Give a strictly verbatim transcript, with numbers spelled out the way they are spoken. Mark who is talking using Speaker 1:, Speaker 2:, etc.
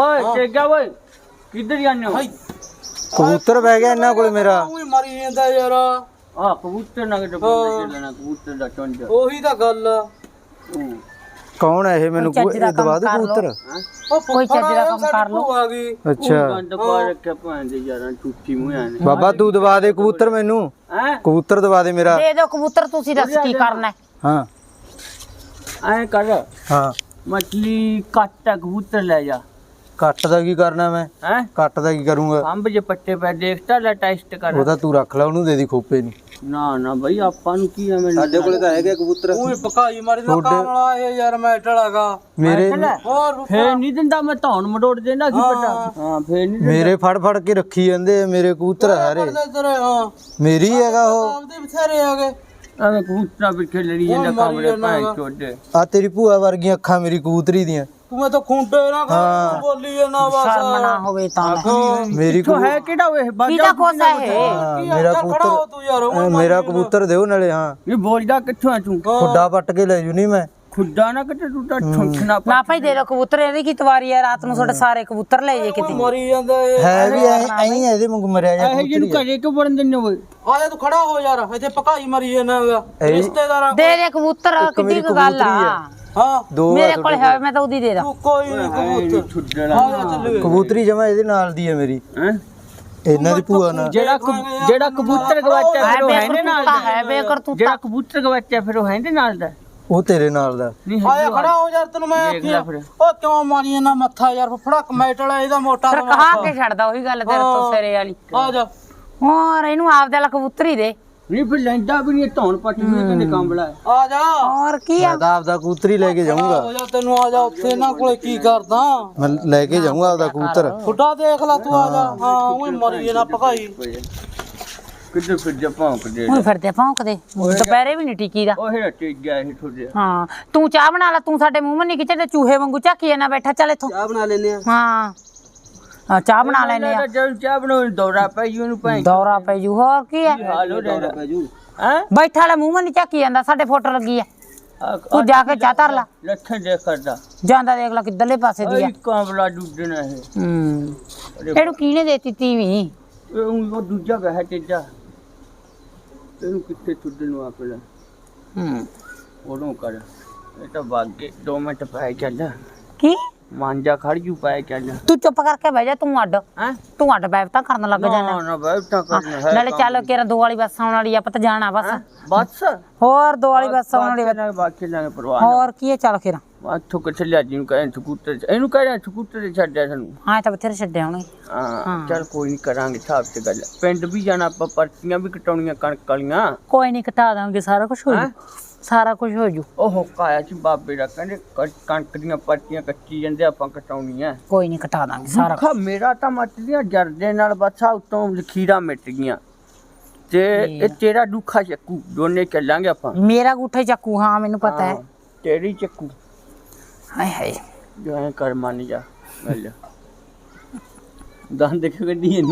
Speaker 1: ਓਏ ਟੇਗਾ ਓਏ ਕਿੱਧਰ ਜਾਂਦੇ ਹੋ?
Speaker 2: ਕਬੂਤਰ ਬਹਿ ਗਿਆ ਇਹਨਾਂ ਕੋਲ ਮੇਰਾ।
Speaker 3: ਉਹੀ ਮਰੀ ਜਾਂਦਾ ਯਾਰ।
Speaker 1: ਆ ਕਬੂਤਰ ਨਾ ਕਿਤੇ ਬੰਦੇ ਲੈਣਾ ਕਬੂਤਰ ਦਾ ਚੁੰਝ।
Speaker 3: ਉਹੀ ਤਾਂ ਗੱਲ ਆ।
Speaker 2: ਕੌਣ ਹੈ ਇਹ? ਮੈਨੂੰ ਇਹ ਦਵਾ ਦੇ ਕਬੂਤਰ।
Speaker 4: ਕੋਈ ਚੱਜ ਦਾ ਕੰਮ ਕਰ ਲੋ।
Speaker 3: ਆ ਗਈ
Speaker 2: ਅੱਛਾ
Speaker 1: ਗੰਦ ਪਾ ਰੱਖਿਆ ਭਾਂ ਦੇ ਯਾਰਾਂ ਟੁੱਟੀ ਮੂੰਹਾਂ ਨੇ।
Speaker 2: ਬਾਬਾ ਤੂੰ ਦਵਾ ਦੇ ਕਬੂਤਰ ਮੈਨੂੰ।
Speaker 1: ਹੈ
Speaker 2: ਕਬੂਤਰ ਦਵਾ ਦੇ ਮੇਰਾ।
Speaker 4: ਦੇ ਦਿਓ ਕਬੂਤਰ, ਤੁਸੀਂ ਦੱਸ ਕੀ ਕਰਨਾ ਹੈ?
Speaker 2: ਹਾਂ
Speaker 1: ਐ ਕਰ
Speaker 2: ਹਾਂ
Speaker 1: ਮਛਲੀ ਕੱਟ ਕਬੂਤਰ ਲੈ ਜਾ।
Speaker 2: ਕੱਟ ਦਾ ਕੀ ਕਰਨਾ ਮੈਂ?
Speaker 1: ਹੈ
Speaker 2: ਕੱਟ ਦਾ ਕੀ ਕਰੂੰਗਾ?
Speaker 1: ਅੰਬ ਜੇ ਪੱਟੇ ਪੈ ਦੇਖਤਾ ਲੈ ਟੈਸਟ ਕਰ।
Speaker 2: ਉਹਦਾ ਤੂੰ ਰੱਖ ਲੈ, ਉਹਨੂੰ ਦੇ ਦੀ ਖੋਪੇ ਨੂੰ।
Speaker 1: ਨਾ ਨਾ ਬਈ ਆਪਾਂ ਨੂੰ ਕੀ ਐਵੇਂ
Speaker 3: ਸਾਡੇ ਕੋਲੇ ਤਾਂ ਹੈਗੇ ਕਬੂਤਰ। ਉਹੀ ਪਕਾਈ ਮਾਰੀ ਦਾ ਕੰਮ ਵਾਲਾ ਇਹ ਯਾਰ ਮੈਟਲ ਹੈਗਾ
Speaker 2: ਮੇਰੇ।
Speaker 3: ਹੋਰ
Speaker 1: ਫੇਰ ਨਹੀਂ ਦਿੰਦਾ ਮੈਂ ਧੌਣ ਮੜੋੜ ਦੇਣਾ ਕੀ ਪਤਾ। ਹਾਂ ਫੇਰ ਨਹੀਂ
Speaker 2: ਮੇਰੇ ਫੜ ਫੜ ਕੇ ਰੱਖੀ ਜਾਂਦੇ ਆ ਮੇਰੇ ਕਬੂਤਰ ਸਾਰੇ।
Speaker 3: ਤੇਰੇ ਹਾਂ
Speaker 2: ਮੇਰੀ ਹੈਗਾ ਉਹ।
Speaker 3: ਆਪਦੇ ਬਥੇਰੇ ਹੈਗੇ।
Speaker 1: ਐਵੇਂ ਕਬੂਤਰਾਂ ਪਿੱਛੇ ਲੜੀ ਜਾਂਦਾ ਕਾਮੜੇ ਭਾਂ ਚੋਦੇ।
Speaker 2: ਆ ਤੇਰੀ ਭੂਆ ਵਰਗੀਆਂ ਅੱਖਾਂ ਮੇਰੀ ਕਬੂਤਰੀ ਦੀਆਂ।
Speaker 3: ਤੂੰ ਮੈਂ ਤਾਂ ਖੁੰਡੇ ਨਾ ਕਰ ਬੋਲੀ ਨਾ ਬਸ।
Speaker 4: ਸ਼ਰਮ ਨਾ ਹੋਵੇ ਤਾਂ
Speaker 2: ਮੇਰੀ
Speaker 1: ਕਿੱਥੋਂ ਹੈ ਕਿਹੜਾ ਓਏ
Speaker 4: ਕਿਹਦਾ
Speaker 1: ਬਾਜਾ
Speaker 4: ਕੋਸਾ ਹੈ?
Speaker 2: ਹਾਂ, ਮੇਰਾ ਕਬੂਤਰ
Speaker 3: ਤੂੰ ਯਾਰ
Speaker 2: ਐ ਮੇਰਾ ਕਬੂਤਰ ਦਿਓ ਨਾਲੇ। ਹਾਂ
Speaker 1: ਇਹ ਬੋਲਦਾ ਕਿੱਥੋਂ ਆ ਤੂੰ?
Speaker 2: ਖੁੱਡਾ ਪੱਟ ਕੇ ਲੈ ਜੂ ਨਹੀਂ ਮੈਂ।
Speaker 1: ਖੁੱਡਾ ਨਾ ਕਿਤੇ ਤੂੰ ਤਾਂ ਠੁੰਖਣਾ ਪਾ।
Speaker 4: ਨਾ ਭਾਈ ਦੇ ਦਿਓ ਕਬੂਤਰ, ਇਹਦੀ ਕੀ ਤਵਾਰੀ ਹੈ? ਰਾਤ ਨੂੰ ਤੁਹਾਡੇ ਸਾਰੇ ਕਬੂਤਰ ਲੈ ਜੇ ਕਿਤੇ।
Speaker 3: ਮਰੀ ਜਾਂਦਾ ਇਹ।
Speaker 2: ਹੈ ਵੀ ਐ ਐਂ ਇਹਦੇ ਵਾਂਗੂ ਮਰਿਆ ਜਾ
Speaker 1: ਇਹ ਜਿਹਨੂੰ ਘਰੇ ਕਿਉਂ ਵੜਨ ਦਿੰਦੇ ਓਏ?
Speaker 3: ਆ ਜਾ ਤੂੰ ਖੜਾ ਹੋ ਯਾਰ, ਇੱਥੇ ਪਕਾਈ ਮਰੀ ਜਾਂਦਾ ਹੈਗਾ ਰਿਸ਼ਤੇਦਾਰਾਂ
Speaker 4: ਦੇ ਦੇ ਕਬੂਤਰ, ਕਿੱਡੀ ਕੁ ਗੱਲ ਆ।
Speaker 3: ਹਾਂ
Speaker 2: ਦੋ
Speaker 4: ਮੇਰੇ ਕੋਲ ਹੈ, ਮੈਂ ਤਾਂ ਉਹਦੀ ਦੇ ਦਾਂ।
Speaker 3: ਤੂੰ ਕੋਈ ਨਹੀਂ ਕਬੂਤਰ
Speaker 1: ਛੁੱਡਣਾ
Speaker 3: ਆ ਜਾ ਚੱਲ
Speaker 2: ਕਬੂਤਰੀ ਜਮਾ ਇਹਦੇ ਨਾਲ ਦੀ ਹੈ ਮੇਰੀ।
Speaker 1: ਹੈ
Speaker 2: ਇਹਨਾਂ ਦੀ ਭੂਆ ਨਾਲ।
Speaker 1: ਜਿਹੜਾ ਕਬ- ਜਿਹੜਾ ਕਬੂਤਰ ਗਵਾਚਿਆ ਫਿਰ ਉਹ ਹੈ ਇਹਦੇ ਨਾਲ ਦਾ।
Speaker 4: ਹੈ ਬੇਕਰਤੂਤਾ।
Speaker 1: ਜਿਹੜਾ ਕਬੂਤਰ ਗਵਾਚਿਆ ਫਿਰ ਉਹ ਹੈ ਇਹਦੇ ਨਾਲ ਦਾ।
Speaker 2: ਉਹ ਤੇਰੇ ਨਾਲ ਦਾ।
Speaker 1: ਨਹੀਂ
Speaker 3: ਆ ਜਾ ਖੜਾ ਹੋ ਯਾਰ, ਤੈਨੂੰ ਮੈਂ
Speaker 1: ਦੇਖ ਲੈ
Speaker 3: ਆਖਿਆ
Speaker 1: ਫਿਰ।
Speaker 3: ਉਹ ਕਿਉਂ ਮਾਰੀ ਜਾਂਦਾ ਮੱਥਾ ਯਾਰ? ਫਫੜਾ ਮੈਟਲ ਇਹਦਾ ਮੋਟਾ
Speaker 4: ਫਿਰ ਕਹਾ ਕੇ ਛੱਡਦਾ ਉਹੀ ਗੱਲ ਤੇਰੇ ਤੋਂ ਸਿਰੇ ਵਾਲੀ।
Speaker 3: ਆ ਜਾ
Speaker 4: ਹੋਰ ਇਹਨੂੰ ਆਪਦੇ ਵਾਲਾ ਕਬੂਤਰ ਹੀ ਦੇ।
Speaker 1: ਨਹੀਂ ਫਿਰ ਲੈਂਦਾ ਵੀ ਨਹੀਂ ਧੌਣ ਪੱਟੀ ਨੇ ਕਹਿੰਦੇ ਕੰਬਲਾ ਹੈ।
Speaker 3: ਆ ਜਾ
Speaker 4: ਹੋਰ ਕੀ ਆ?
Speaker 2: ਮੈਂ ਤਾਂ ਆਪਦਾ ਕਬੂਤਰੀ ਲੈ ਕੇ ਜਾਊਂਗਾ।
Speaker 3: ਹੋ ਜਾ, ਤੈਨੂੰ ਆ ਜਾ ਉੱਥੇ ਇਹਨਾਂ ਕੋਲੇ ਕੀ ਕਰਦਾ?
Speaker 2: ਮੈਂ ਲੈ ਕੇ ਜਾਊਂਗਾ ਆਪਦਾ ਕਬੂਤਰ।
Speaker 3: ਫੁੱਟਾ ਦੇਖ ਲੈ ਤੂੰ, ਆ ਜਾ। ਹਾਂ ਉਹ ਮਰੀ ਜਾਂਦਾ ਪਕਾਈ।
Speaker 1: ਕਿੱਧਰ ਫਿਰ ਜਾ ਭੌਂਕਦੇ
Speaker 4: ਹੁਣ ਫਿਰਦੇ ਭੌਂਕਦੇ, ਦੁਪਹਿਰੇ ਵੀ ਨਹੀਂ ਟਿਕੀ ਦਾ।
Speaker 1: ਉਹ ਹਟੇ ਗਿਆ ਇਹ ਥੋੜੇ।
Speaker 4: ਹਾਂ ਤੂੰ ਚਾਹ ਬਣਾ ਲੈ, ਤੂੰ ਸਾਡੇ ਮੂੰਹ ਮੇ ਨਹੀਂ ਖਿੱਚਦੇ, ਚੂਹੇ ਵਾਂਗੂ ਝਾਕੀ ਜਾਂਦਾ ਬੈਠਾ। ਚੱਲ ਇੱਥੋਂ
Speaker 3: ਚਾਹ ਬਣਾ ਲੈਨੇ ਆ।
Speaker 4: ਹਾਂ ਹਾਂ ਚਾਹ ਬਣਾ ਲੈਨੇ ਆ।
Speaker 1: ਜਦ ਚਾਹ ਬਣਾਉਣ ਦੌਰਾ ਪੈ ਜੀ ਉਹਨੂੰ ਭਾਂ
Speaker 4: ਦੌਰਾ ਪੈ ਜੂ। ਹੋਰ ਕੀ ਹੈ?
Speaker 1: ਹਾਲ ਹੋ ਜਾਂਦਾ ਹੈ।
Speaker 4: ਬੈਠਾ ਵਾਲਾ ਮੂੰਹ ਮੇ ਨਹੀਂ ਝਾਕੀ ਜਾਂਦਾ, ਸਾਡੇ ਫੋਟੋ ਲੱਗੀ ਆ। ਤੂੰ ਜਾ ਕੇ ਚਾਹ ਧਰ ਲਾ।
Speaker 1: ਲੱਠਾਂ ਦੇ ਕਰਦਾ
Speaker 4: ਜਾਂਦਾ ਦੇਖ ਲੈ ਕਿੱਧਰਲੇ ਪਾਸੇ ਦੀ ਆ।
Speaker 1: ਇਹ ਕਾਂਬਲਾ ਡੁੱਡਣਾ ਹੈ।
Speaker 4: ਹੂੰ ਇਹਨੂੰ ਕਿਹਨੇ ਦੇਤੀ ਤੀਵੀਂ?
Speaker 1: ਇਹ ਉਹ ਦੂਜਾ ਹੈ ਤੇਜਾ। ਇਹਨੂੰ ਕਿੱਥੇ ਛੁੱਡਣ ਨੂੰ ਆਪਣਾ
Speaker 4: ਹੂੰ
Speaker 1: ਉਹਨੂੰ ਕਰ। ਇਹ ਤਾਂ ਵਾਗੇ ਦੋ ਮਿੰਟ ਪੈ ਚੱਲ।
Speaker 4: ਕੀ
Speaker 1: ਮਾਂਜਾ ਖੜ ਜੂ ਪੈ ਚੱਲ।
Speaker 4: ਤੂੰ ਚੁੱਪ ਕਰਕੇ ਬਹਿ ਜਾ, ਤੂੰ ਅੱਡ
Speaker 1: ਹੈ
Speaker 4: ਤੂੰ ਅੱਡ ਬੈਠਾ ਕਰਨ ਲੱਗ
Speaker 1: ਨਾ
Speaker 4: ਜਾਣਾ।
Speaker 1: ਨਾ ਬੈਠਾ ਕਰਨਾ ਹੈ।
Speaker 4: ਨਾਲੇ ਚੱਲ ਕੇ ਦੋ ਵਾਲੀ ਬੱਸ ਆਉਣ ਵਾਲੀ ਆ, ਆਪਾਂ ਤਾਂ ਜਾਣਾ ਬਸ।
Speaker 1: ਬਸ
Speaker 4: ਹੋਰ ਦੋ ਵਾਲੀ ਬੱਸ ਆਉਣ ਵਾਲੀ।
Speaker 1: ਨਾ ਬਾਕੀ ਨਾ ਪਰਵਾਹ
Speaker 4: ਹੋਰ ਕੀ ਹੈ? ਚੱਲ ਫਿਰ
Speaker 1: ਆਥੋਂ ਕਿੱਥੇ ਲਿਆ ਜੀ ਨੂੰ ਕਹਿੰਦੇ ਸਕੂਟਰ ਇਹਨੂੰ ਕਹਿੰਦੇ ਸਕੂਟਰ ਤੇ ਛੱਡਿਆ ਸਾਨੂੰ।
Speaker 4: ਹਾਂ ਤਾਂ ਬਥੇਰੇ ਛੱਡਿਆ ਹੋਣੇ।
Speaker 1: ਹਾਂ ਚੱਲ ਕੋਈ ਨਹੀਂ ਕਰਾਂਗੇ ਹਿਸਾਬ ਤੇ ਗੱਲ। ਪਿੰਡ ਵੀ ਜਾਣਾ ਆਪਾਂ, ਪਰਚੀਆਂ ਵੀ ਕਟਾਉਣੀਆਂ ਕਣਕ ਵਾਲੀਆਂ।
Speaker 4: ਕੋਈ ਨਹੀਂ ਘਟਾ ਦਾਂਗੇ, ਸਾਰਾ ਕੁਝ ਹੋ ਜੂ। ਸਾਰਾ ਕੁਝ ਹੋ ਜੂ।
Speaker 1: ਉਹ ਹੁੱਕਾ ਆਇਆ ਸੀ ਬਾਬੇ ਦਾ, ਕਹਿੰਦੇ ਕ- ਕਣਕ ਦੀਆਂ ਪਰਚੀਆਂ ਕੱਚੀ ਜਾਂਦੇ ਆਪਾਂ ਕਟਾਉਣੀਆਂ।
Speaker 4: ਕੋਈ ਨਹੀਂ ਘਟਾ ਦਾਂਗੇ ਸਾਰਾ।
Speaker 1: ਖਾ ਮੇਰਾ ਤਾਂ ਮੱਚ ਦੀਆਂ ਜਰਦੇ ਨਾਲ ਬਸ ਆ ਉਤੋਂ ਲਖੀਰਾਂ ਮਿਟ ਗਈਆਂ ਤੇ ਇਹ ਤੇਰਾ ਦੁੱਖਾ ਚੱਕੂ ਦੋਨੇ ਚੱਲਾਂਗੇ ਆਪਾਂ।
Speaker 4: ਮੇਰਾ ਗੂਠਾ ਚੱਕੂ। ਹਾਂ ਮੈਨੂੰ ਪਤਾ ਹੈ।
Speaker 1: ਹਾਂ, ਤੇਰੀ ਚੱਕੂ
Speaker 4: ਹਾਏ ਹਾਏ
Speaker 1: ਜੋ ਐ ਕਰ ਮੰਨ ਜਾ। ਮਿਲ ਜਾ ਦੰਦ ਕਿਉਂ ਕੱਢੀ